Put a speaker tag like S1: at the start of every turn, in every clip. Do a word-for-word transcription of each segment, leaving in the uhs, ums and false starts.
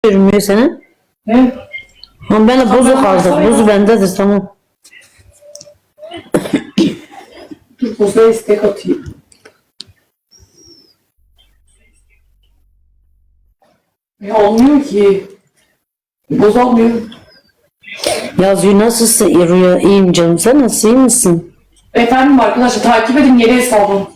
S1: görünmüyor senin?
S2: Ne?
S1: Ama ben de bozu kaldı. Bozu bendedir tamam.
S2: Dur bozuya istek atayım. Ya olmuyor ki. Boz olmuyor.
S1: Yazıyor nasılsın Rüya? İyiyim canım. Sen nasıl iyi misin?
S2: Efendim arkadaşlar takip edin yeni hesabım.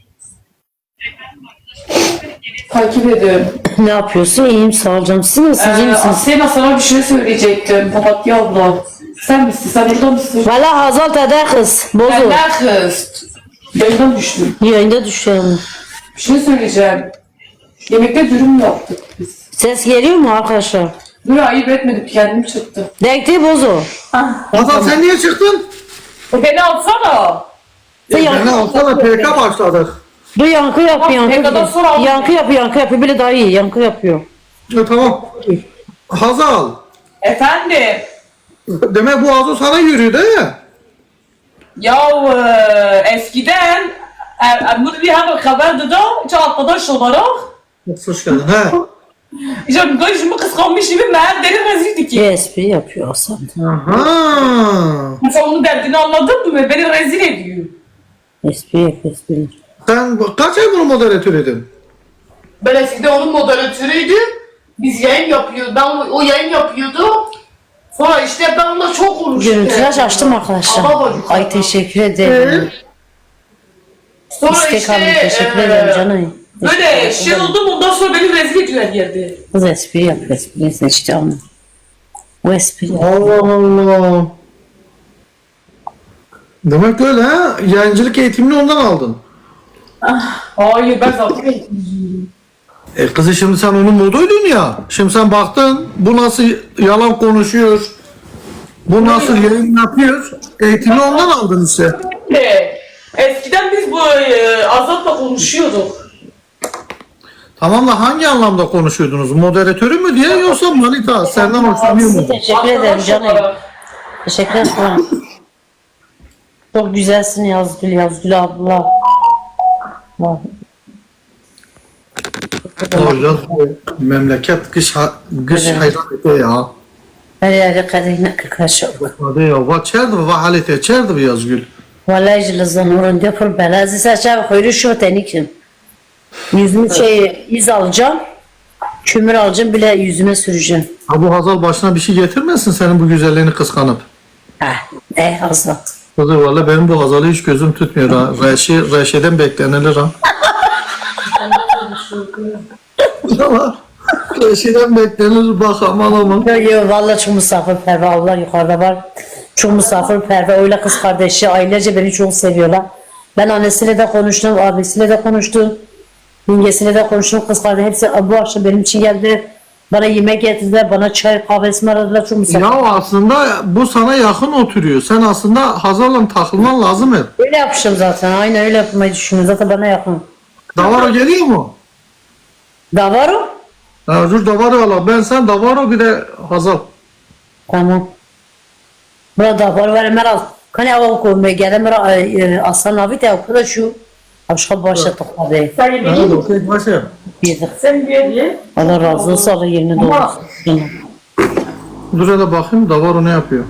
S2: Takip edin.
S1: Ne yapıyorsun? İyiyim sağ ol canım. Siz nasılsınız? iyi
S2: Ee,
S1: misiniz?
S2: Asena sana bir şey söyleyecektim. Papatya abla. Sen misin? Sen burada mısın?
S1: Valla Hazal Tede kız. Bozu.
S2: Ben ne kız? Yayından düştüm.
S1: Yayında düşüyorum.
S2: Bir şey söyleyeceğim. Yemekte dürüm yaptık biz.
S1: Ses geliyor mu arkadaşlar?
S2: Dur ayıp etmedim kendim çıktı.
S1: Denkti bozu.
S3: Hasan sen niye çıktın?
S2: E beni alsana.
S1: Sen
S3: Ben
S1: yankı,
S3: alsana P K başladık.
S1: dur yankı yap
S2: Bak,
S1: yankı.
S2: Peka'dan sonra
S1: Yankı,
S2: aldım.
S1: yankı yapıyor yankı yapıyor. Bile daha iyi yankı yapıyor.
S3: E, tamam. Hazal.
S2: Efendim.
S3: Demek bu Azo sana yürüyor değil mi?
S2: Ya e, eskiden Emir bir hemen haberdi da hiç arkadaş olarak
S3: Hoş geldin. He.
S2: işte gözümü kıskanmış gibi meğer deli rezildi ki.
S1: Espri yapıyor Hasan.
S3: Aha.
S2: Mesela onun derdini anladın mı? Beni rezil ediyor.
S1: Espri yap espri.
S3: Sen kaç ay bunu moderatör edin?
S2: Ben eskiden onun moderatörüydüm. Biz yayın yapıyorduk. Ben o, o yayın yapıyordu. Sonra işte ben onunla çok konuştum.
S1: Görüntüler açtım arkadaşlar.
S2: Ama bacım.
S1: Ay teşekkür ederim.
S2: Sonra
S1: İstek
S2: işte
S1: aldım teşekkür
S2: e,
S1: ederim canım.
S2: böyle şey oldum ondan sonra beni rezil ediyor her yerde.
S1: Kız espri yapıyor espri seçti ama. O espri yapıyor.
S3: Allah Allah. Demek öyle ha? Yayıncılık eğitimini ondan aldın.
S2: Hayır ben zaten
S3: E kızı şimdi sen onun moduydun ya. Şimdi sen baktın bu nasıl yalan konuşuyor. Bu nasıl yayın yapıyor. Eğitimi ondan aldın işte.
S2: de eskiden biz bu e, Azat'la konuşuyorduk.
S3: Tamam da hangi anlamda konuşuyordunuz? Moderatörü mü diye yoksa manita senden hoşlanıyor mu?
S1: Teşekkür ederim
S2: Arkadaş
S1: canım.
S2: olarak.
S1: Teşekkür ederim. Çok güzelsin Yazgül Yazgül abla. Vay.
S3: Hocam memleket kış ha- kış
S1: Evet.
S3: hayranlığı ya.
S1: Her yerde kadına kırkaç oldu.
S3: Hadi ya, va çerdi va halite çerdi Yazgül.
S1: Vallahi jilazan orun yapır belazı saçar koyru şu tenikim. Yüzümü şey iz alacağım. Kömür alacağım bile yüzüme süreceğim.
S3: Ha bu Hazal başına bir şey getirmesin senin bu güzelliğini kıskanıp.
S1: Heh, eh azat.
S3: Kızı valla benim bu Hazal'ı hiç gözüm tutmuyor ha. Reşi, Reşi'den beklenilir ha. Ama Reşi'den beklenir bak aman aman.
S1: Yok yok vallahi çok misafirperver Allah yukarıda var. Çok misafirperver öyle kız kardeşi ailece beni çok seviyorlar. Ben annesiyle de konuştum, abisiyle de konuştum. Yengesiyle de konuştum, kız kardeşi hepsi bu akşam benim için geldi. Bana yemek getirdiler, bana çay kahvesini aradılar çok misafir.
S3: Ya aslında bu sana yakın oturuyor. Sen aslında Hazal'la takılman lazım hep.
S1: Öyle yapmışım zaten, aynen öyle yapmayı düşünüyorum. Zaten bana yakın.
S3: Davaro geliyor mu?
S1: Davaro?
S3: Ha, dur Davaro ala. Ben sen Davaro bir de Hazal.
S1: Tamam. Burada Davaro var Meral. Kani hava koymaya geldim. Meral Aslan abi de okuda şu. Aşka başladık abi.
S2: Sen
S3: Ha,
S2: yemeği
S3: okey, başla.
S1: Yedik.
S2: sen bir ye.
S1: Allah razı olsun, Allah yerini doldursun. Yine.
S3: Dur hele bakayım Davaro ne yapıyor?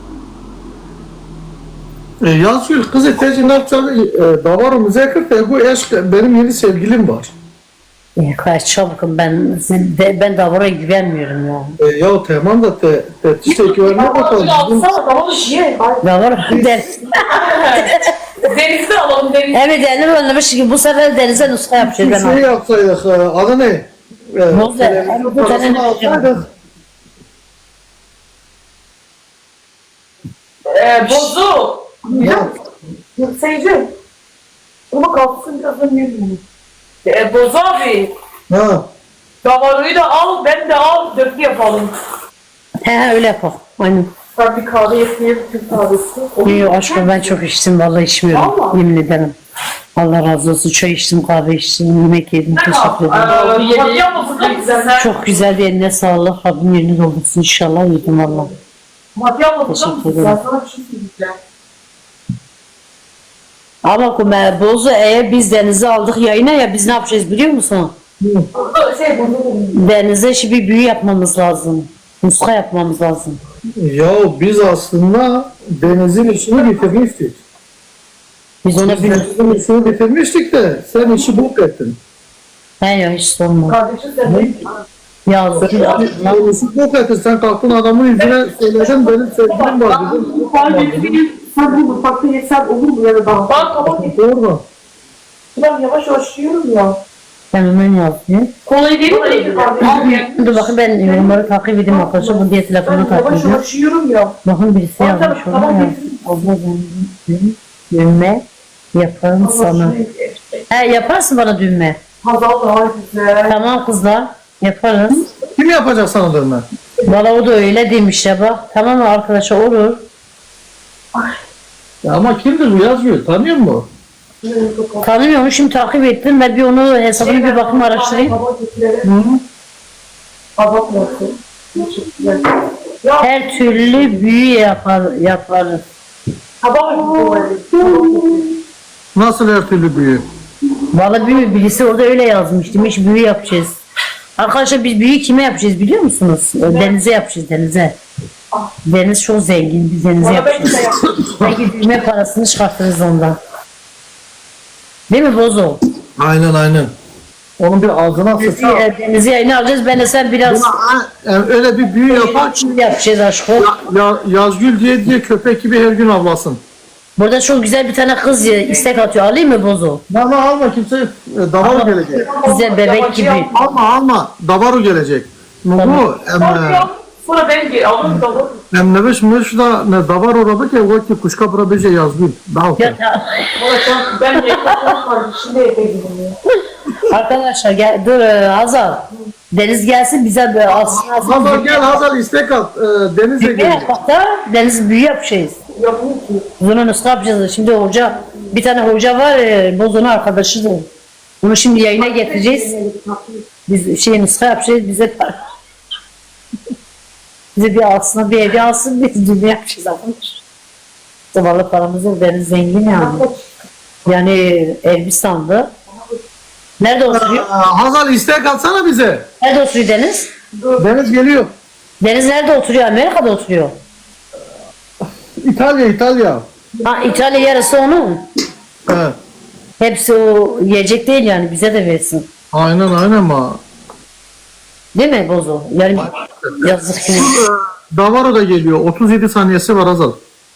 S3: E, Yazgül kız eteci ne yapacak? E, Davaro müzakir bu eşk benim yeni sevgilim var.
S1: E, kaç çabukım ben de, ben Davaro'ya güvenmiyorum ya.
S3: E, ya tamam da te, te, işte güvenme bakalım.
S2: Tamam alsana tamam ye.
S1: Davaro der.
S2: Denizde alalım deniz.
S1: Evet yani önlemiş ki bu sefer denize nuska yapacağız
S3: Bir
S1: ben.
S3: şey
S1: abi.
S3: yapsaydık, e, adı ne? E,
S1: Bozu.
S3: televizyon
S1: Bu
S3: parasını
S1: televizyon.
S3: alsaydık.
S2: Ee, bozu.
S3: Ya,
S2: Seyirci. Ama kalksın birazdan yiyelim. Ee, bozu abi.
S3: ha.
S2: Davaroyu da al, ben de al, dörtlü yapalım.
S1: He he öyle yapalım. Aynen.
S2: Ben bir kahve yapayım, Türk kahvesi.
S1: Yok aşkım ben çok içtim vallahi içmiyorum.
S2: Vallahi.
S1: Yemin ederim. Allah razı olsun. Çay içtim, kahve içtim, yemek yedim. Teşekkür ederim.
S2: Ee, Fatih abla çok güzel.
S1: Çok güzel bir eline sağlık. Rabbim yerini doldursun inşallah. Yedim valla.
S2: Fatih abla çok
S1: Teşekkür
S2: güzel.
S1: ederim.
S2: Sana bir şey söyleyeceğim.
S1: Ama kumer bozu eğer biz denize aldık yayına ya biz ne yapacağız biliyor musun?
S2: Şey bunu.
S1: Deniz'e şimdi bir büyü yapmamız lazım. Muska yapmamız lazım.
S3: Ya biz aslında Deniz'in işini bitirmiştik.
S1: Biz ona
S3: Biz
S1: bir...
S3: Deniz'in işini bitirmiştik de sen işi bok ettin.
S1: Ben ya hiç sorma.
S2: Kardeşim sen de.
S1: Ya
S3: Sen işi bok ettin. Sen kalktın adamın yüzüne söyledin benim sevgilim var dedim.
S2: Kardeşim sen bu mutfakta yesen olur mu ya da daha? Bak kapat.
S3: Doğru.
S2: Ben yavaş yavaş yiyorum ya.
S1: ben hemen yazayım.
S2: Kolayı değil mi? Kardeşim.
S1: Dur bakın ben yorumları takip edeyim arkadaşlar. Bu diye telefonu
S2: Ben
S1: takip
S2: yavaş
S1: edeyim.
S2: yavaş yiyorum ya.
S1: Bakın birisi
S2: Tamam,
S1: yazmış
S2: tamam,
S1: ona
S2: tamam,
S1: ya. Abla ben düğme yaparım sana. He yaparsın bana düğme.
S2: Hazal daha güzel.
S1: Tamam kızlar yaparız.
S3: Kim yapacak sana dövme?
S1: Valla o da öyle demiş ya bak. Tamam mı arkadaşlar olur.
S3: Ya ama kimdir bu Yazgül? Tanıyor musun?
S1: Tanımıyorum şimdi takip ettim. Ben bir onu hesabını bir bakayım araştırayım.
S2: Hazal bıraktım. Teşekkürler. Ya
S1: Her türlü büyü yapar, yaparız.
S2: sabah
S3: Nasıl her türlü büyü?
S1: Valla büyü birisi orada öyle yazmış. Demiş büyü yapacağız. Arkadaşlar biz büyü kime yapacağız biliyor musunuz? Denize yapacağız denize. Deniz çok zengin. Biz denize
S2: Bana ben
S1: yapacağız.
S2: de yaptım.
S1: Belki düğme parasını çıkartırız ondan. Değil mi Bozo?
S3: Aynen aynen. Onun bir ağzına sıçra.
S1: Denizi, denizi yayını alacağız. Ben de sen biraz
S3: Yani öyle bir büyü yapar ki
S1: yapacağız aşkım.
S3: ya, Yazgül diye diye köpek gibi her gün avlasın.
S1: Burada çok güzel bir tane kız ya, istek atıyor. Alayım mı Bozo?
S3: Ama alma kimse e, Davaru gelecek.
S1: Güzel bebek gibi.
S3: Alma alma Davaru gelecek. Bu em
S2: Sonra ben gel alırım da alırım.
S3: em ne beş miş da ne Davaru robi ki o ki kuşka bura beje Yazgül. Daha
S1: Ya, ta-
S2: Bana sen ben yapamam kardeşim de yapayım ya.
S1: arkadaşlar gel, dur e, Hazal. Deniz gelsin bize de alsın alsın.
S3: Hazal gel Hazal istek at. E, Deniz'e
S1: Büyü
S3: gelecek.
S1: yapak da deniz büyü yapacağız.
S2: Yapayım ki.
S1: Bunu nasıl yapacağız? Şimdi hoca, bir tane hoca var, e, Bozo'nun arkadaşıdır. Bunu şimdi yayına getireceğiz. Biz şey nuska yapacağız, bize para. Bize bir alsın, bir evi alsın, biz düğme yapacağız arkadaşlar. Zavallı paramız yok, deniz zengin yani. Yani Elbistan'da. Nerede oturuyor?
S3: Aa, Hazal istek atsana bize.
S1: Nerede oturuyor Deniz?
S3: Deniz geliyor.
S1: Deniz nerede oturuyor? Amerika'da oturuyor.
S3: İtalya İtalya.
S1: Ha İtalya yarısı onun.
S3: Evet.
S1: Hepsi o yiyecek değil yani bize de versin.
S3: Aynen aynen ama.
S1: Değil mi Bozo? Yani yazık ki.
S3: Davaru da geliyor. otuz yedi saniyesi var Hazal.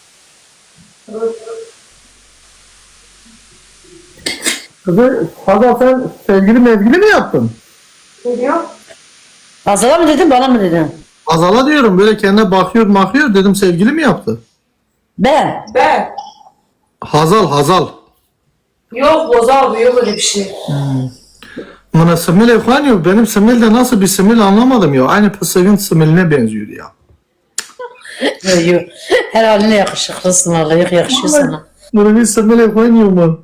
S3: Kızı Hazal sen sevgili mevgili mi yaptın?
S2: Ne diyor?
S1: Hazala mı dedin bana mı dedin?
S3: Hazal'a diyorum böyle kendine bakıyor bakıyor dedim sevgili mi yaptı?
S1: Ben.
S2: Ben.
S3: Hazal Hazal.
S2: Yok Bozal bu yok öyle bir şey.
S3: Bana simil efendim benim simil de nasıl bir simil anlamadım ya. Aynı Pısır'ın similine benziyor ya.
S1: Yok yok. Her haline yakışıklısın vallahi yok yakışıyor sana.
S3: Bunu bir simil efendim mı?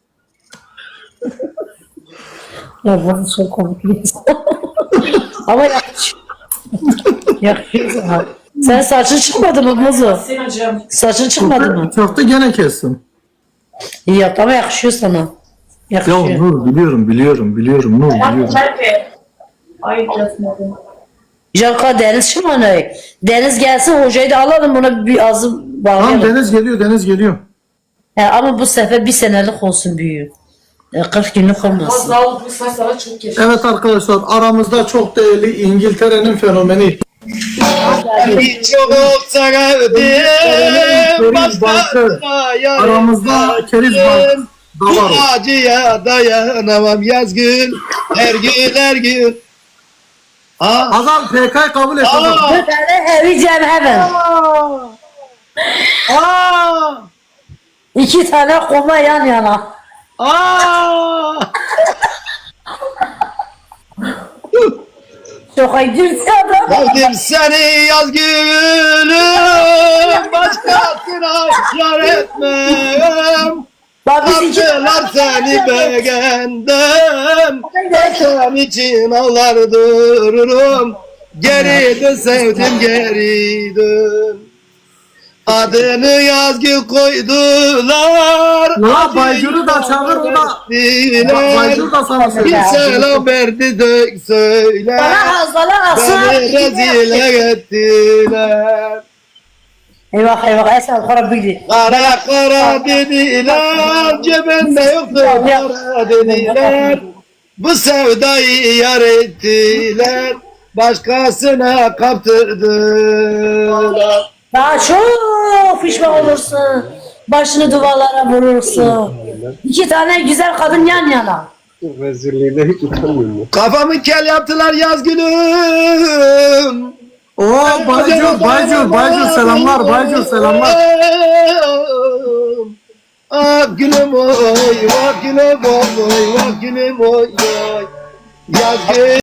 S1: Ya bu çok komik bir insan. Ama yakışıyor. Yakışıyor sana. Sen saçın çıkmadı mı Bozo?
S2: Sen hocam.
S1: Saçın çıkmadı mı?
S3: Köfte gene kestim.
S1: İyi yaptı ama yakışıyor sana.
S3: Ya
S1: Yakışıyor.
S3: Nur biliyorum biliyorum biliyorum Nur biliyorum.
S2: Nerede? Ay kesmedim.
S1: Jaka Deniz Şımanay. Deniz gelsin hocayı da alalım buna bir azı
S3: Tamam
S1: bağlayalım.
S3: Deniz geliyor Deniz geliyor.
S1: He, ama bu sefer bir senelik olsun büyüğü. E, kırk günlük olmasın.
S2: Bozal bu saçlara çok yaşa.
S3: Evet arkadaşlar aramızda çok değerli İngiltere'nin fenomeni.
S4: Çok sevdim
S3: Keriz Bankı.
S4: başkasına
S3: Aramızda Keriz Bank
S4: Bu
S3: da var.
S4: acıya dayanamam yazgın her gün her gün. Aa,
S3: Hazal P K'yı kabul et. Hazal.
S4: aa,
S1: Bir tane evi Cem hemen.
S4: aa,
S1: İki tane koma yan yana.
S4: aa.
S1: Şoka girdi adam.
S4: Sevdim seni yazgülüm başkasına yar etmem.
S1: Bak biz iki
S4: Attılar seni beğendim. Ben senin için ağlar dururum. Geri dön sevdim geri dön. Adını Yazgül koydular.
S3: La Baygül'ü de çağır ona. Ba- Baygül da sana
S4: Bir
S3: söylüyor.
S4: selam verdi dök söyle.
S1: Bana hastalar asıl.
S4: Beni rezil ettiler.
S1: Eyvah eyvah Esel Kara bildi.
S4: Kara kara dediler, cebinde yoktu para dediler. Bu sevdayı yar ettiler, başkasına kaptırdılar.
S1: Daha çok pişman olursun. Başını duvarlara vurursun. İki tane güzel kadın yan yana.
S5: Rezilliğine hiç utanmıyorum.
S4: Kafamı kel yaptılar Yazgül'üm.
S3: Oo Baygül, Baygül, Baygül selamlar, Baygül selamlar.
S4: Ah gülüm oy, vah gülüm oy, vah gülüm oy, oy. Yazgül.